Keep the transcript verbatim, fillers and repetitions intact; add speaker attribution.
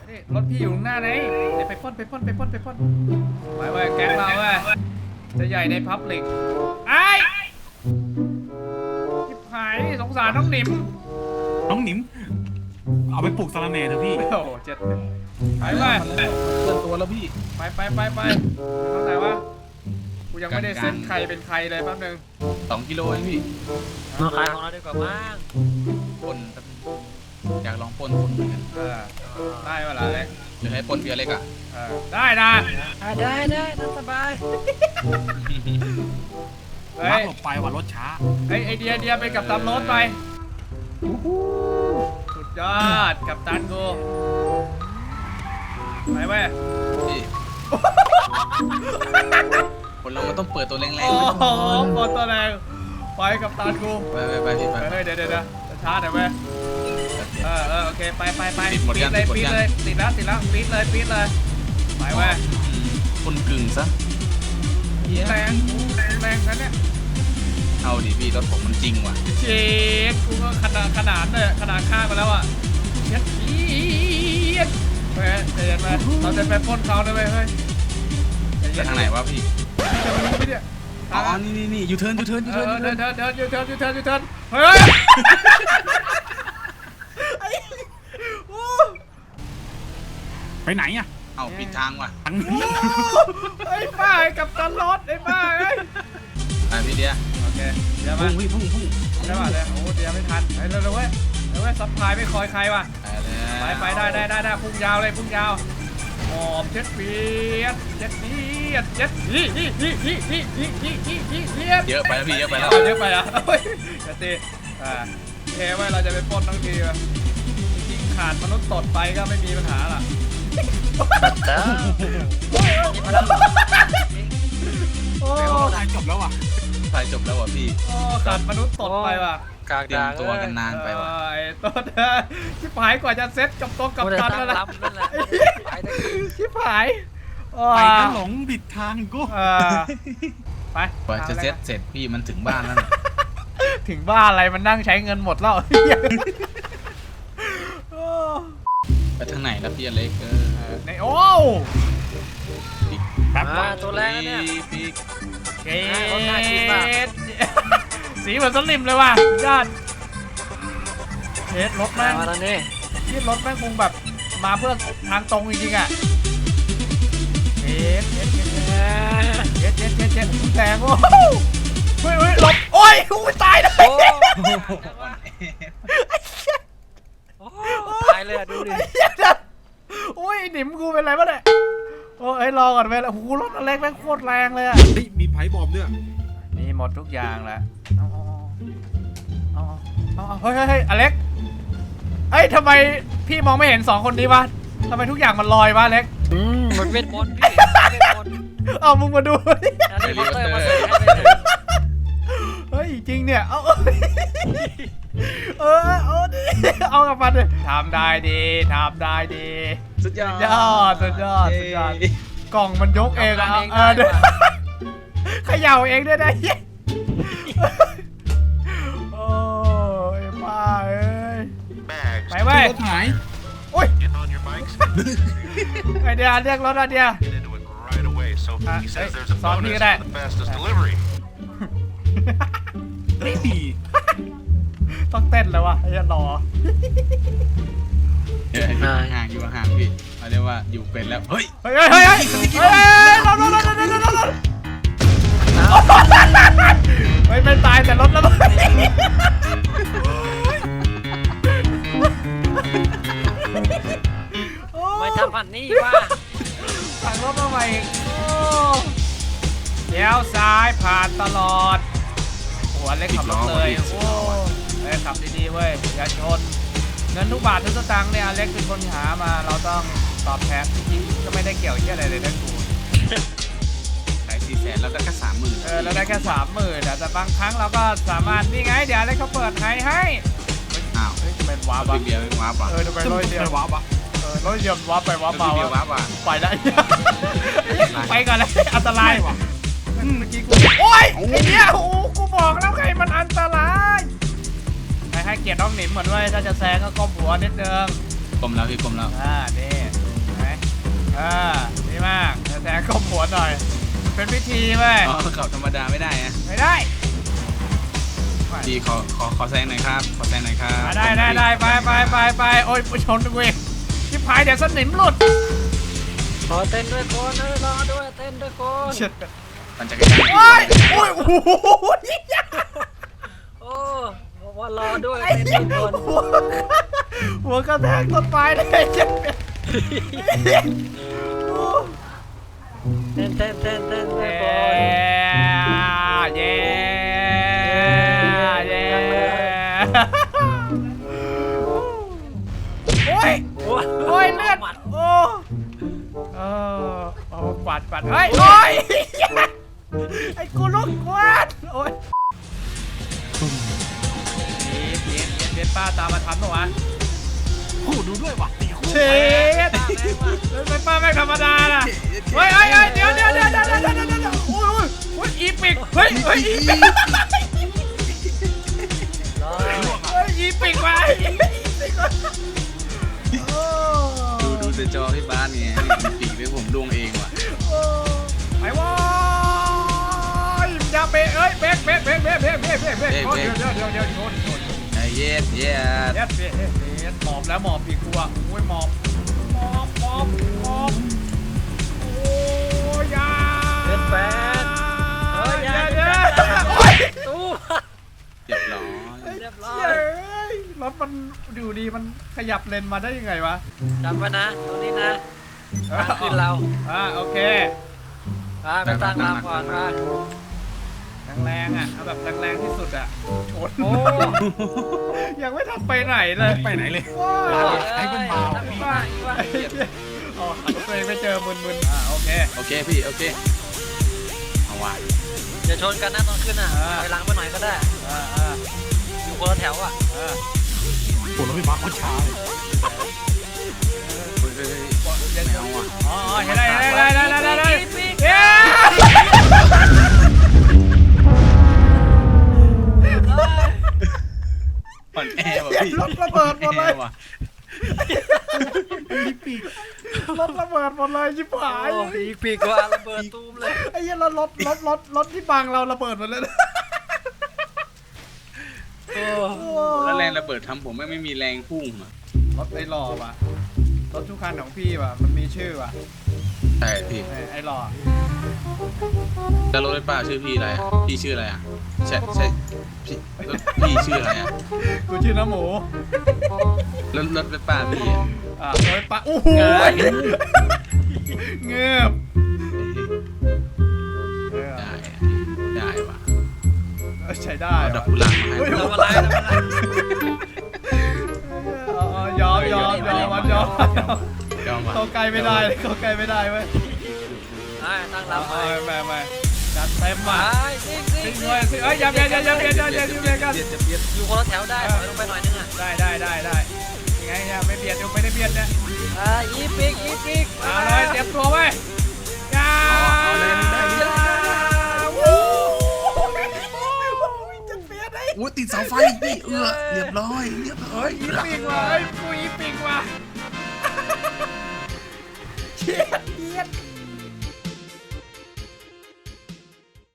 Speaker 1: นี่รถพี่อยู่ข้างหน้าไหนเดี๋ยวไปป้นไปป้นไปป้นไปป้นไปไปแก๊งเราเว้ยจะใหญ่ในพับลิกไอ้ทิพหายสงสารน้องหนิม
Speaker 2: น้องหนิมเอาไปปลูกสะระแหน่เถอะพี่
Speaker 1: โอ้โหเจ็ดไปไป
Speaker 3: เกินตัวแล้วพี่
Speaker 1: ไปไปไปไปทางไหนวะกูยังไม่ได้เซ็นใครเป็นใครเลยแป๊บนึง
Speaker 3: สองกิโลเองพี่
Speaker 4: มาขายของเราดีกว่ามั้ง
Speaker 3: ปนอยากลองปนคนเหมือนกัน
Speaker 1: ได้เวลาเล็ก
Speaker 3: หรือให้ปนเบียร์เล็กอ่ะ
Speaker 1: ได้นะ
Speaker 4: ได้ได้นั่งสบาย
Speaker 1: เฮ้ย
Speaker 2: หลบไปว่ารถช้า
Speaker 1: ไอไอเดียเดียไปกับตามรถไปสุดยอดกับตันกูไปเว้ย
Speaker 3: คนเรามันต้องเปิดตัวแรงๆ
Speaker 1: โอ้โหเปิดตัวแรงไปกับตันกู
Speaker 3: ไปไปไปไป
Speaker 1: เฮ้ยเดี๋ยวเดี๋ยวเดี๋ยวช้าหน่อยเว้ยเออเออโอเคไปไปไปปีดเลยปีดเลยติดแล้วติดแล้วปีดเลยปีดเลยไปเว้ย
Speaker 3: คนกึ่งซะ
Speaker 1: แรงแรงนั้นเนี่ย
Speaker 3: เอาดิพี่รถผมมันจริงว่ะ
Speaker 1: เช็คกูก็ขนาดขนาดเลยขนาดข้างมาแล้วอ่ะเย็ดเย็ดเฮ้ยใจเย็นไปเราจะไปปล้นเขาได้ไหมเฮ้ย
Speaker 3: จะทางไหนวะพี่
Speaker 1: จะมารู้ไหมเนี่ย
Speaker 3: อ๋อนี่นี่นี่ยูเทิร์นยูเทิร์นยูเทิร์น
Speaker 1: เดินเดินเดินยูเทิร์นยูเทิร์นยูเทิร์นเฮ้ย
Speaker 2: ไปไหนอ่ะ
Speaker 3: เอาปิดทางว่ะ
Speaker 1: ไอ้ป้ากับตันรถไอ้ป้าไอ้
Speaker 3: ไปพี่เดีย
Speaker 1: โอเคเดี๋ยวมา
Speaker 3: พุ่งพุ่งพุ่ง
Speaker 1: ใช่ป่ะเนี่ยโอ้เดี๋ยวไม่ทันไปเร็วๆเว้ยเร็วเว้ยซัพพลายไม่คอยใครว่ะไปไปได้ได้ได้ได้พุ่งยาวเลยพุ่งยาวหอมเจ็ดเปียดเจ็ดเปียดเจ็ดนี่นี่นี่นี่นี่นี่นี่นี่นี่
Speaker 3: เยอะไปแล้วพี่เยอะไปแล้ว
Speaker 1: เยอะไปอ่ะเฮ้ยจะตีอ่าเฮ้ยว่าเราจะไปปล้นทั้งทีว่ะจริงขาดมนุษย์ตดไปก็ไม่มีปัญหาล่ะ
Speaker 2: โอ้ถ่ายจบแล้วว่ะ
Speaker 3: ถ่ายจบแล้วว่ะพี่
Speaker 1: โอ้ขาดมนุษย์ตดไปว่ะ
Speaker 3: กางตัวกันนานไปว่ะ
Speaker 1: ไอ้ต้นชิบหายกว่าจะเซ็ตกับตรงกับกันแล้วนะชิบหาย
Speaker 2: ไปก็หลงบิดทางกู
Speaker 1: ไป
Speaker 3: กว่าจะเซ็ตเสร็จพี่มันถึงบ้านแล้ว
Speaker 1: ถึงบ้านอะไรมันนั่งใช้เงินหมดแล้ว
Speaker 3: ไปทางไหนแล้วพี่อเล็กเออ
Speaker 1: ในโอ้
Speaker 4: แป๊บตัวแรกเนี่ย
Speaker 1: เกตสีเหมือนสลิมเลยว่ะยอดเทสรถแม่ง
Speaker 4: มาแล้วนี่
Speaker 1: ที่รถแม่งคงแบบมาเพื่อทางตรงจริงๆอ่ะเทสเทสเทสเทสเทสเทสเทสแรงโอ้เฮ้ยเฮ้ยหลบโอ้ยกูตายเลย
Speaker 4: ตายเลยดูดิ
Speaker 1: โอ้ยหนิมกูเป็นไรวะเนี่ยโอ้ยรอก่อนไปแล้วโอ้โหรถอเล็กแม่งโคตรแรงเลยอ่ะ
Speaker 2: มีไพ่บอมเนี่ย
Speaker 1: มีหมดทุกอย่างแหละเอาเอาเอาเฮ้ยเฮ้ยอเล็กเอ้ยทำไมพี่มองไม่เห็นสองคนนี้วะทำไมทุกอย่างมันลอยวะอเล็ก
Speaker 4: อืมมันเวทมนต์พี่เวทมนต์
Speaker 1: เอามึงมาดู
Speaker 4: เ
Speaker 1: ฮ้ยจริงเนี่ยเอาเออเอาดิเอากับมันเลยทำได้ดีทำได้ดี
Speaker 3: สุดยอด
Speaker 1: ยอดสุดยอดสุดยอดกล่องมันยกเองอะเออเขย่าเองด้วยนะโอ้ยป้าเอ้ยไปไว้
Speaker 2: รถหาย
Speaker 1: โอ้ยไอเดียเรียกรถอะเดียสอนพี่ก็ได้
Speaker 2: ไม่ดี
Speaker 1: ต้องเต้นเลยวะไอ้รอ
Speaker 3: เออห่างอยู่ห่างพี่เขาเรียกว่าอยู่เป็นแล้วเฮ้ย
Speaker 1: เฮ้ยเฮ้ยเฮ้ยเฮ้ยรถรถรถรถรถรถรถไม่ไม่ตายแต่รถแล้ว
Speaker 4: ไม่ทำพันนี่ว่า
Speaker 1: สั่งรถมาใหม่เลี้ยวซ้ายผ่านตลอดหัวเล็กขับรถเลยโอ้เล็กขับดีๆเว้ยอย่าชนเงินทุกบาททุกสตางค์เนี่ยเล็กเป็นคนหามาเราต้องตอบแทนจริงๆก็ไม่ได้เกี่ยวเหี้ยอะไรเลยนะกู
Speaker 3: ขายสี่แสนแล้วได้แค่สามหมื่น
Speaker 1: เออเราได้แค่สามหมื่นแต่บางครั้งเราก็สามารถนี่ไงเดี๋ยวเล็กเขาเปิดให้ให้
Speaker 3: อ้าว
Speaker 1: จะเป็นวาร์ป
Speaker 3: เบียร์เป็นวาร์ป
Speaker 1: เออจะเป็นร้อยเดียว
Speaker 2: วาร์ป
Speaker 1: เออร้อยเดียววาร์ปไปวาร์ปมา
Speaker 3: วาร์ปว่ะ
Speaker 1: ไปได้ไปก่อนเลยอันตรายว่ะเมื่อกี้กูโอ๊ยไอ้เนี่ยโอ้กูบอกแล้วไงมันอันตรายให้ให้เกียรติน้องหนิมเหมือนว่าถ้าจะแซงก็ก้มหัวนิดนึง
Speaker 3: ก้มแล้วพี่ก้มแล้ว
Speaker 1: อ่านี่อ่าดีมากแทงก้มหัวหน่อยเป็นพิธีเว้ย
Speaker 3: อ๋อขับธรรมดาไม่ได้นะ
Speaker 1: ไม่ได้
Speaker 3: พี่ขอขอขอแซงหน่อยครับขอแซงหน่อยครับ
Speaker 1: มาได้ได้ได้ไปไปไปไปโอ้ยชนกูเองชิบหายเดี๋ยวสนิมหลุด
Speaker 4: ขอเต้นด้วยคนเออรอด้วยเต้นด้วยคน
Speaker 3: ปั่นจักรยาน
Speaker 1: โอ้ยโอ้ยโอ้โห
Speaker 4: โอ้บอกว่ารอด้วยเต้นด้วยคน
Speaker 1: หัวกระแทกต้นไม้เลยเจ็บ
Speaker 4: เต้นเต้นเต้นเต้นด้วยคน
Speaker 1: เย้เย้โอ้ย
Speaker 4: โอ้ย
Speaker 1: โอ้ยเลือดโอ้เออโอ้กวาดกวาดเฮ้ยโอ้ยไอ้กูลุกกวาดโอ้ยเย็นเย็นเย็นเย็นป้าตามมาทันปะวะ
Speaker 2: คู่ดูด้วยว่ะตีคู่
Speaker 1: เช็ดเป็นป้าไม่ธรรมดาน่ะเฮ้ยเฮ้ยเดี๋ยวเดี๋ยวเดี๋ยวเดี๋ยวเดี๋ยวเดี๋ยวเดี๋ยวโอ้ยโอ้ยอีปิกเฮ้ยเฮ้ยอีปิก
Speaker 4: รอ
Speaker 1: เฮ้ยอีปิกมาอีปิกมาโอ้
Speaker 3: ดูดูแต่จอพี่บ้านไงปีกเลยผมดวงเองว่ะ
Speaker 1: ไปวอยอย่าเบรกเอ้ยเบรกเบรกเบรกเบรกเบรกเบรกเบรกเบรกเดี๋ยวเดี๋ยวเดี๋ยวเดี๋ยวโดนโดน
Speaker 3: ไอ้เย็ดเย็ด
Speaker 1: เย็ดเย็ดเย็ดเย็ดหมอบแล้วหมอบอีกตัวโอ้ยหมอบหมอบหมอบหมอบโอ้ยยา
Speaker 4: เป็นแฟนเฮ้ย
Speaker 1: เดี๋
Speaker 4: ยา
Speaker 1: ยว
Speaker 4: เป็น
Speaker 1: เดี๋ยว
Speaker 4: แฟน
Speaker 1: โอ้ย
Speaker 4: ตู้
Speaker 3: เรียบร้อย
Speaker 4: เรียบร้อ
Speaker 1: เฮ้
Speaker 4: ย
Speaker 1: ยรถมันดูดีมันขยับเลนมาได้ยังไงวะ
Speaker 4: จำไว้นะตรงนี้นะทางขึ้นเรา
Speaker 1: อ่าโอเค
Speaker 4: อ่าไปตั้งลำก่อนมา
Speaker 1: แรงๆอ่ะเอาแบบแรงๆที่สุดอ่ะชน
Speaker 4: โอ้
Speaker 1: ยังไม่ทันไปไหนเลย
Speaker 2: ไปไหนเลย
Speaker 1: ว้า
Speaker 4: ไอ้
Speaker 1: ว
Speaker 4: เป็นเบาตั้งว่าว่า
Speaker 1: อ๋อตัวเองไม่เจอมึนๆอ่าโอเค
Speaker 3: โอเคพี่โอเคเอาว่ะ
Speaker 4: อย่าชนกันนะตอนขึ้นอ่ะไปหลังไปหน่อยก็ได้
Speaker 1: อ่าอ่า
Speaker 4: อยู่คนละแถวอ่ะ
Speaker 1: อ่า
Speaker 2: ปวดรถไฟฟ้าโคตรช้าเลย
Speaker 3: เฮ้ยเฮ้ยเฮ้ยไม่เอาอ่ะ
Speaker 1: อ๋อเห็นได้เห็นได้ได้ได้ได้ได้เย้
Speaker 3: อ่อนแอว่ะพี่
Speaker 1: รถระเบิดหมดเลย
Speaker 3: อ่อนแอว่ะ
Speaker 1: รถระเบิดหมดเลยชิบหาย
Speaker 4: โอ้อีกปีกว่าระเบิดตูมเลย
Speaker 1: ไอ้เหี้ยรถรถรถรถรถที่บังเราระเบิดหมดเลยนะ
Speaker 4: โอ้
Speaker 3: แล้วแรงระเบิดทำผมไม่ไม่มีแรงพุ่งอ่ะ
Speaker 1: รถไอ้หล่อว่ะรถทุกคันของพี่ว่ะมันมีชื่อว่ะ
Speaker 3: ใช่พี่
Speaker 1: ไอ้หล่อ
Speaker 3: แล้วรถไฟฟ้าชื่อพี่อะไรอ่ะพี่ชื่ออะไรอ่ะใช่ใช่พี่รถพี่ชื่ออะไรอ่ะ
Speaker 1: กูชื่อน้ำหมู
Speaker 3: รถรถไฟฟ้าพี่อ่ะ
Speaker 1: อ่าโอ้ยปะโอ้โหเงือบเออ
Speaker 3: ได้อะได้ว่ะ
Speaker 1: ใช้ได้
Speaker 3: เอาดอก
Speaker 1: ว่ะ
Speaker 3: กุหลาบมาให้
Speaker 1: เฮ้ย
Speaker 3: ผม
Speaker 4: ทำอะไรทำอะไร
Speaker 1: อ๋อยอมยอมยอมมันยอม
Speaker 3: ยอมว่ะ
Speaker 1: เข้าใกล้ไม่ได้เข้าใกล้ไม่ได้เว้ย
Speaker 4: อ่าตั้ง
Speaker 1: เอา
Speaker 4: ลำไป
Speaker 1: เอาไม่ไม่จัดเต็ม
Speaker 4: ไป
Speaker 1: ว่ะ
Speaker 4: ซิ่งซิ่
Speaker 1: ซิ
Speaker 4: ง
Speaker 1: งเลยซิงเอ้ยอย่าอย่าอย่าอย่าอย่าอย่าอย่าอย่ากัน
Speaker 3: เบียดจะเบียด
Speaker 4: อยู่คนละแถวได้ถอยลงไปหน่อยนึงอ่ะ
Speaker 1: ได้ได้ได้ได้ยังไงเนี่ยไม่เบียดอยู่ไม่ได้เบียดเนี่ย
Speaker 4: อ่าอีปีกอีปีก
Speaker 1: เอาเลยเตรียมตัวไว้จ้า
Speaker 3: เอาเลยได้เลย
Speaker 1: วู้จะเบียดได้
Speaker 3: อุ้ยติดเสาไฟพี่เออเรียบร้อยเรียบร้อ
Speaker 1: เฮ้
Speaker 3: ย
Speaker 1: ยอีปิงว่ะเฮ้ยกูอีปิงว่ะเชียดเชียด